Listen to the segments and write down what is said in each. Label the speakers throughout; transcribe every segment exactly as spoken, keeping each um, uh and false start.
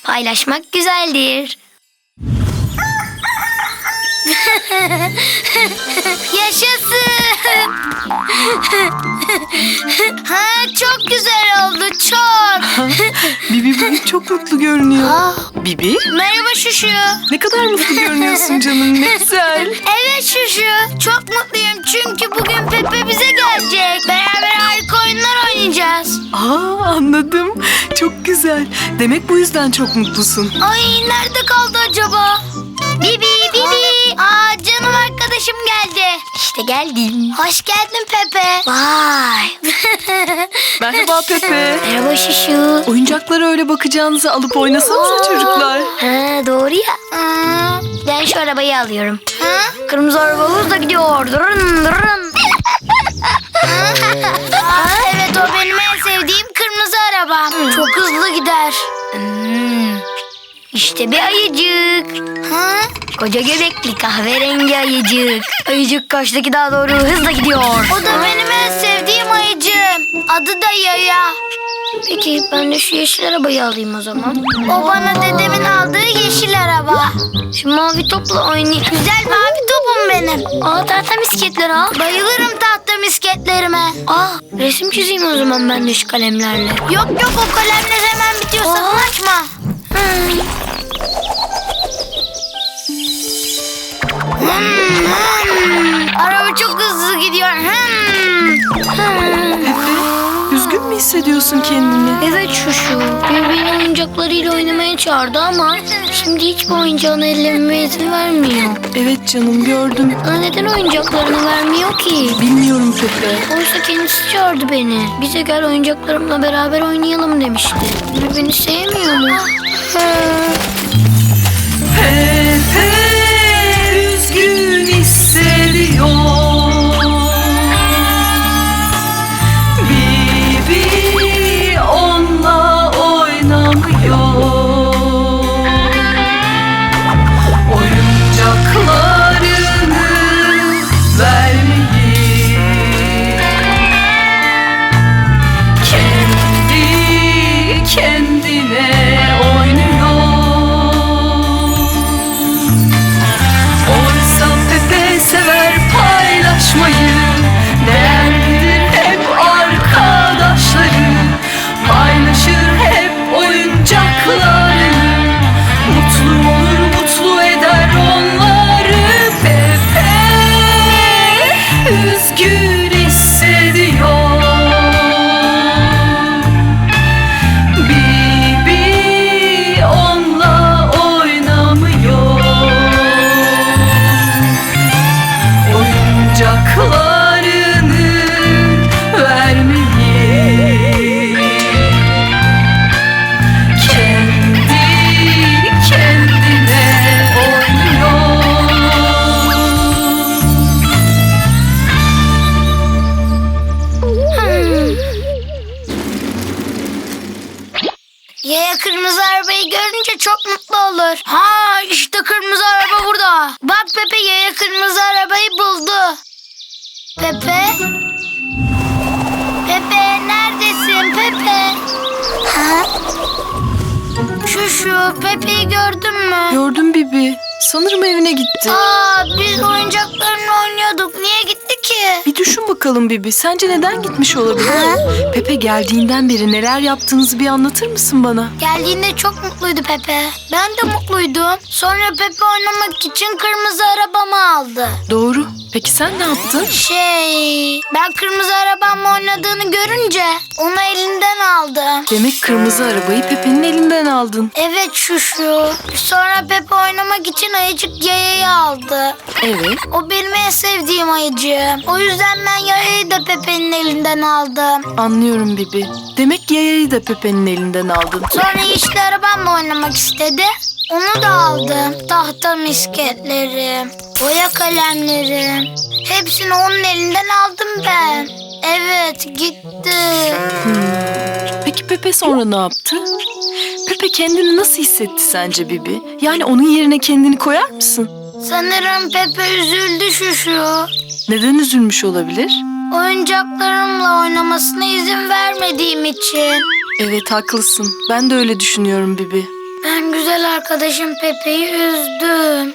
Speaker 1: Paylaşmak güzeldir. Yaşasın. Ha, çok güzel oldu, çok.
Speaker 2: Bibi bugün çok mutlu görünüyor.
Speaker 1: Aa,
Speaker 2: Bibi,
Speaker 1: merhaba Şuşu.
Speaker 2: ne kadar mutlu görünüyorsun canım, ne güzel.
Speaker 1: Evet Şuşu, çok mutluyum çünkü bugün Pepe bize gelecek. Beraber harika oyunlar oynayacağız.
Speaker 2: Aa, anladım. Çok güzel. Demek bu yüzden çok mutlusun.
Speaker 1: Ay, nerede kaldı acaba? Bibi, Bibi. Aa, canım arkadaşım geldi. İşte geldim. Hoş geldin Pepe. Vay.
Speaker 2: Merhaba Pepe.
Speaker 1: Merhaba Şuşu.
Speaker 2: Oyuncaklara öyle bakacağınıza alıp oynasanıza çocuklar.
Speaker 1: Ha, doğru ya. Hmm, ben şu arabayı alıyorum. Ha? Kırmızı arabamız da gidiyor. Durun durun. Aa, evet, o benim en sevdiğim kırmızı arabam. Çok hızlı gider. Hmm, İşte bir ayıcık. Ha? Koca göbekli kahverengi ayıcık. Ayıcık kaçtaki daha doğru hızla gidiyor. O da benim en sevdiğim ayıcığım. Adı da Yaya. Peki ben de şu yeşil arabayı alayım o zaman. O bana dedemin aldığı yeşil araba. Şu mavi topla oynayayım. Güzel mavi topum benim. Aa, tahta misketler al. Bayılırım tahta misketlerime. Aa, resim çizeyim o zaman ben de şu kalemlerle. Yok yok, o kalemler hemen bitiyor. Sakın açma. Hmm. Hmm, hmm. Araba çok hızlı gidiyor. Hmm. Hmm.
Speaker 2: Pepe, üzgün mü hissediyorsun kendini?
Speaker 1: Evet Şuşu. Bir beni oyuncaklarıyla oynamaya çağırdı ama şimdi hiçbir oyuncağını ellememe izin vermiyor.
Speaker 2: Evet canım, gördüm.
Speaker 1: Bana neden oyuncaklarını vermiyor ki?
Speaker 2: Bilmiyorum Pepe.
Speaker 1: Oysa kendisi çağırdı beni. Bize gel oyuncaklarımla beraber oynayalım demişti. Bir beni sevmiyor mu?
Speaker 2: Pepe üzgün hissediyor. Bibi onunla oynamıyor. Oyuncaklarını vermeyi kendi kendine oynuyor. Oysa Pepe sever paylaşmayı, değerlidir hep arkadaşları, paylaşır hep oyuncakları, mutlu olur mutlu eder onları. Pepe üzgün hissediyor. Bibi onunla oynamıyor. Oyuncaklarını vermeyi kendi kendine oynuyor.
Speaker 1: Yaya kırmızı arabayı görünce çok mutlu olur. Ha, işte kırmızı araba burada. Bak Pepe, Yaya kırmızı arabayı buldu. Pepe? Pepe, neredesin Pepe? Ha? Şu şu Pepe'yi gördün mü?
Speaker 2: Gördüm Bibi. Sanırım evine gitti.
Speaker 1: Aa, biz oyuncaklarla oynuyorduk. Niye gitti ki?
Speaker 2: Bir düşün bakalım Bibi. Sence neden gitmiş olabilir?
Speaker 1: Ha?
Speaker 2: Pepe geldiğinden beri neler yaptığınızı bir anlatır mısın bana?
Speaker 1: Geldiğinde çok mutluydu Pepe. Ben de mutluydum. Sonra Pepe oynamak için kırmızı arabamı aldı.
Speaker 2: Doğru. Peki sen ne yaptın?
Speaker 1: Şey, ben kırmızı arabamla oynadığını görünce onu elinden aldım.
Speaker 2: Demek kırmızı arabayı Pepe'nin elinden aldın.
Speaker 1: Evet Şuşu. Sonra Pepe oynamak için ayıcık Yaya'yı aldı.
Speaker 2: Evet.
Speaker 1: O benim en sevdiğim ayıcığım. O yüzden ben Yaya'yı da Pepe'nin elinden aldım.
Speaker 2: Anlıyorum Bibi. Demek Yaya'yı da Pepe'nin elinden aldın.
Speaker 1: Sonra yeşil arabamla oynamak istedi. Onu da aldım. Tahta misketlerim, boya kalemlerim. Hepsini onun elinden aldım ben. Evet, gitti.
Speaker 2: Hmm. Peki Pepe sonra ne yaptı? Pepe kendini nasıl hissetti sence Bibi? Yani onun yerine kendini koyar mısın?
Speaker 1: Sanırım Pepe üzüldü Şuşu.
Speaker 2: Neden üzülmüş olabilir?
Speaker 1: Oyuncaklarımla oynamasına izin vermediğim için.
Speaker 2: Evet, haklısın. Ben de öyle düşünüyorum Bibi.
Speaker 1: Ben güzel arkadaşım Pepe'yi üzdüm.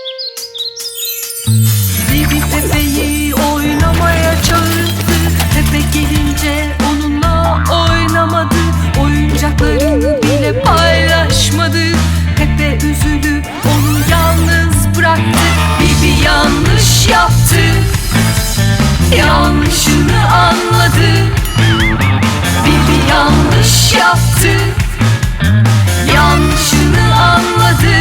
Speaker 3: Bibi Pepe'yi oynamaya çağırdı. Pepe gelince onunla oynamadı. Oyuncaklarını bile paylaşmadı. Pepe üzülüp onu yalnız bıraktı. Bibi yanlış yaptı, yanlışını anladı. Bibi yanlış yaptı, yanlışını anladı.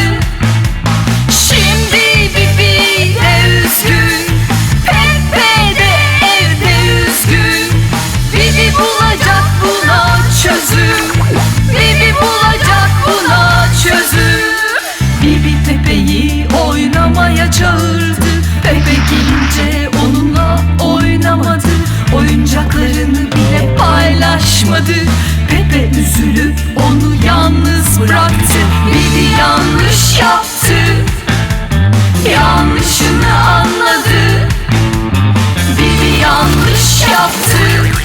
Speaker 3: Şimdi Bibi de üzgün, Pepe de evde üzgün. Bibi bulacak buna çözüm, Bibi bulacak buna çözüm. Bibi Pepe'yi oynamaya çağırdı. Pepe gelince onunla oynamadı. Oyuncaklarını bile paylaşmadı. Pepe üzülüp onu yalnız bıraktı. Bibi yanlış yaptı, yanlışını anladı. Bibi yanlış yaptı,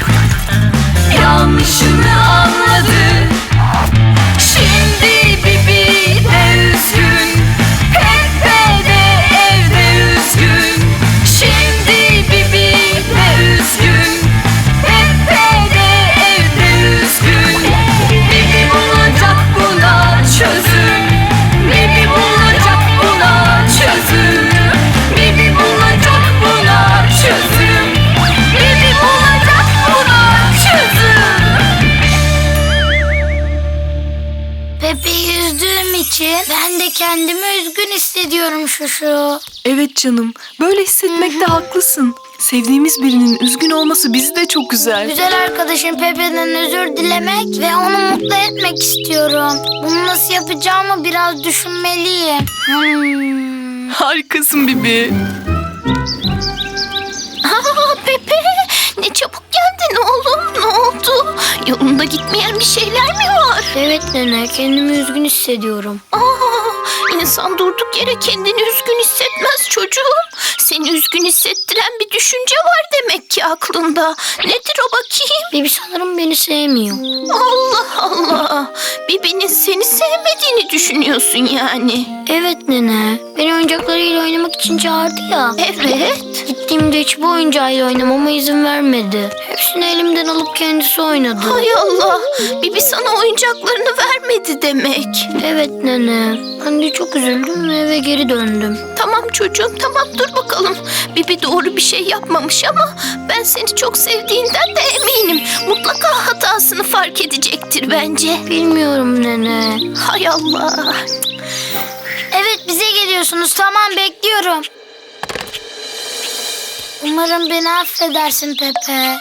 Speaker 3: yanlışını anladı. Şimdi Bibi de üzgün, Pepe de evde üzgün. Şimdi Bibi de üzgün, Pepe de evde üzgün. Bibi bulacak buna çözüm, Bibi bulacak buna çözüm. Bibi bulacak buna çözüm, Bibi bulacak buna çözüm.
Speaker 1: Pepe'yi üzdüğüm için ben de kendimi üzgün hissediyorum Şuşu.
Speaker 2: Evet canım, böyle hissetmekte haklısın. Sevdiğimiz birinin üzgün olması bizi de çok üzer.
Speaker 1: Güzel arkadaşım Pepe'den özür dilemek ve onu mutlu etmek istiyorum. Bunu nasıl yapacağımı biraz düşünmeliyim. Hmm.
Speaker 2: Harikasın Bibi.
Speaker 4: Aa, Pepe, ne çabuk geldin oğlum, ne oldu? Yolunda gitmeyen bir şeyler mi var?
Speaker 1: Evet nene, kendimi üzgün hissediyorum.
Speaker 4: Aa, insan durduk yere kendini üzgün hissetmez çocuğum. Seni üzgün hissettiren bir düşünce var demek ki aklında. Nedir o bakayım?
Speaker 1: Bibi sanırım beni sevmiyor.
Speaker 4: Allah Allah, Bibi'nin seni sevmediğini düşünüyorsun yani.
Speaker 1: Evet nene, beni oyuncaklarıyla oynamak için çağırdı ya.
Speaker 4: Evet.
Speaker 1: Gittiğimde hiçbir oyuncağıyla oynamama izin vermedi. Hepsini elimden alıp kendisi oynadı.
Speaker 4: Hay Allah, Bibi sana oyuncaklarını vermedi demek.
Speaker 1: Evet nene, ben de çok üzüldüm ve eve geri döndüm.
Speaker 4: Tamam çocuğum, tamam, dur bakalım. Bibi doğru bir şey yapmamış ama ben seni çok sevdiğinden de eminim. Mutlaka hatasını fark edecektir bence.
Speaker 1: Bilmiyorum nene.
Speaker 4: Hay Allah.
Speaker 1: Evet bize geliyorsunuz, tamam bekliyorum. Umarım beni affedersin Pepe.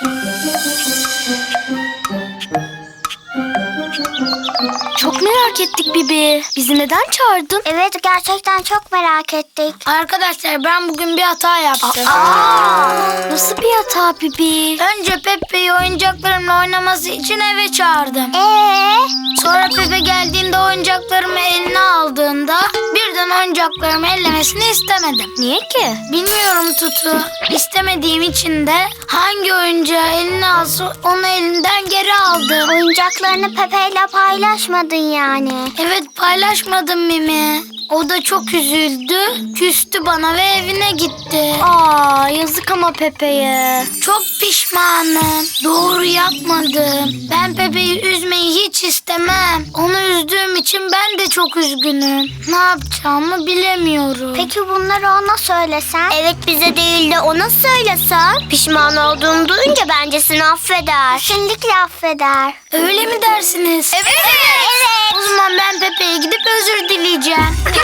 Speaker 5: Çok merak ettik Bibi. Bizi neden çağırdın?
Speaker 6: Evet gerçekten çok merak ettik.
Speaker 1: Arkadaşlar ben bugün bir hata yaptım.
Speaker 5: Nasıl bir hata Bibi?
Speaker 1: Önce Pepe'yi oyuncaklarımla oynaması için eve çağırdım.
Speaker 6: Ee,
Speaker 1: Sonra Pepe geldiğinde oyuncaklarımı eline aldığında birden oyuncaklarımı ellemesini istemedim.
Speaker 5: Niye ki?
Speaker 1: Bilmiyorum Tutu. İstemediğim için de hangi oyuncağı eline alsa onu elinden geri aldım.
Speaker 6: oyuncaklarını Pepe'yle paylaşmadın yani.
Speaker 1: Evet paylaşmadım Mimi. O da çok üzüldü, küstü bana ve evine gitti.
Speaker 5: Aa, yazık ama Pepe'ye.
Speaker 1: Çok pişmanım. Doğru yapmadım. Ben Pepe'yi üzmeyi hiç istemem. Onu üzdüğüm için ben de çok üzgünüm. Ne yapacağımı bilemiyorum.
Speaker 6: Peki bunları ona söylesen? Evet bize değil de ona söylesen. Pişman olduğunu duyunca bence seni affeder. Kesinlikle affeder.
Speaker 1: Öyle mi dersiniz? Evet.
Speaker 6: Evet.
Speaker 1: O zaman ben Pepe'ye gidip özür dileyeceğim.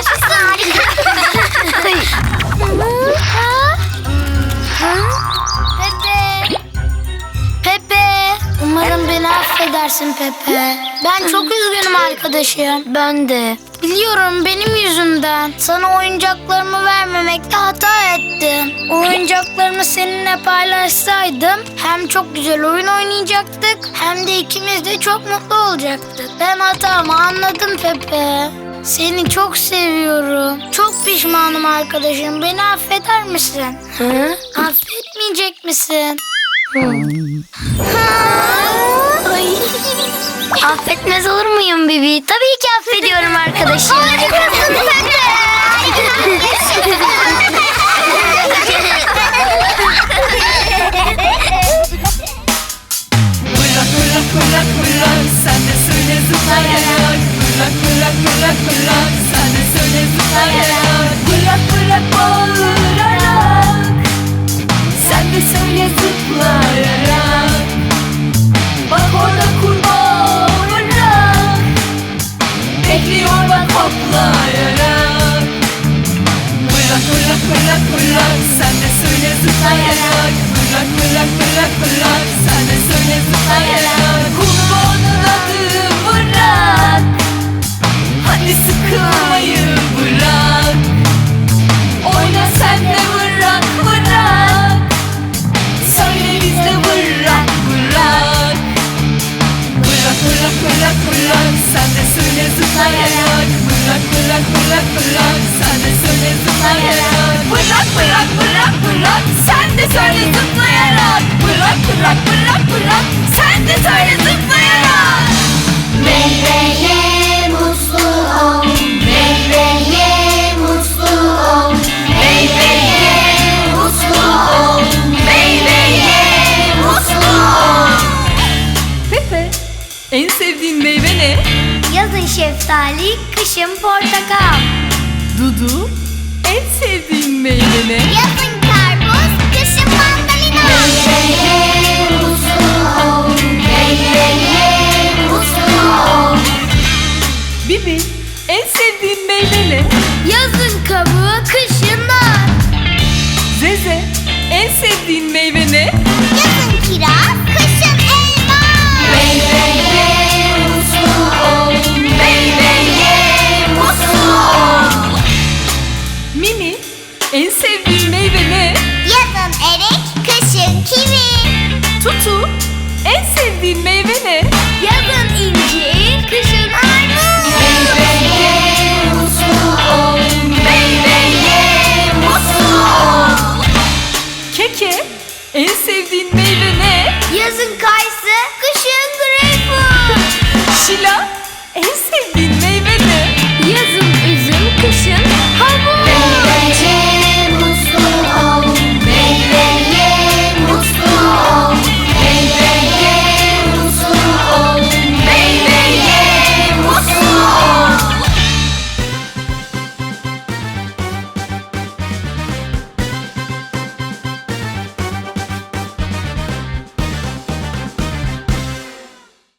Speaker 1: Pepe. Pepe. Umarım beni affedersin Pepe. Ben çok üzgünüm arkadaşım.
Speaker 5: Ben de.
Speaker 1: Biliyorum benim yüzümden. Sana oyuncaklarımı vermemekte hata ettim. O oyuncaklarımı seninle paylaşsaydım hem çok güzel oyun oynayacaktık hem de ikimiz de çok mutlu olacaktık. Ben hatamı anladım Pepe. Seni çok seviyorum. Çok pişmanım arkadaşım. Beni affeder misin?
Speaker 5: Hı?
Speaker 1: Affetmeyecek misin?
Speaker 5: Ay.
Speaker 1: Affetmez olur muyum? muyum Bibi? Tabii ki affediyorum arkadaşım.
Speaker 6: Harikasın Pepe.
Speaker 3: Fırlak fırlak fırlak fırlak, sen de söyle zıplayarak. Fırlak fırlak fırlak fırlak, sen de söyle zıplayarak. Fırlak fırlak bağırarak, sen de söyle zıplayarak. Bak orada kurbağa olarak, bekliyor bak hoplayarak. Fırlak fırlak fırlak fırlak, sen de söyle zıplayarak. Fırlak fırlak fırlak fırlak, sen de söyle zıplayarak. Kurbağanın adı Fırlak, hadi sıkılmayı bırak. Oyna sen de vırrak vırrak, söyle biz de vırrak vırrak. Fırlak fırlak fırlak fırlak, sen de söyle zıplayarak. Fırlak fırlak fırlak fırlak, sen de söyle zıplayarak. Fırlak fırlak fırlak fırlak, sen de söyle zıplayarak. Fırlak fırlak fırlak fırlak, sen de söyle zıplayarak.
Speaker 6: Meyve ye mutlu ol. Meyve ye mutlu ol. Meyve ye mutlu ol. Meyve ye mutlu ol.
Speaker 3: Pepe, en sevdiğin meyve ne?
Speaker 1: Yazın şeftali, kışın portakal.
Speaker 3: Dudu, en sevdiğin meyve ne?
Speaker 6: Yazın karpuz, kışın mandalina. Meyve ye mutlu ol. Meyve ye mutlu ol.
Speaker 3: Bibi, en sevdiğin meyve ne?
Speaker 1: Yazın kabuğu, kışın nar.
Speaker 3: Zeze, en sevdiğin meyve ne?
Speaker 6: Yazın kiraz, kışın elma. Meyve ye mutlu ol. Meyve ye mutlu ol.
Speaker 3: Mimi, en sevdiğin meyve ne?
Speaker 6: Yazın erik, kışın kivi.
Speaker 3: Tutu, en sevdiğin meyve ne?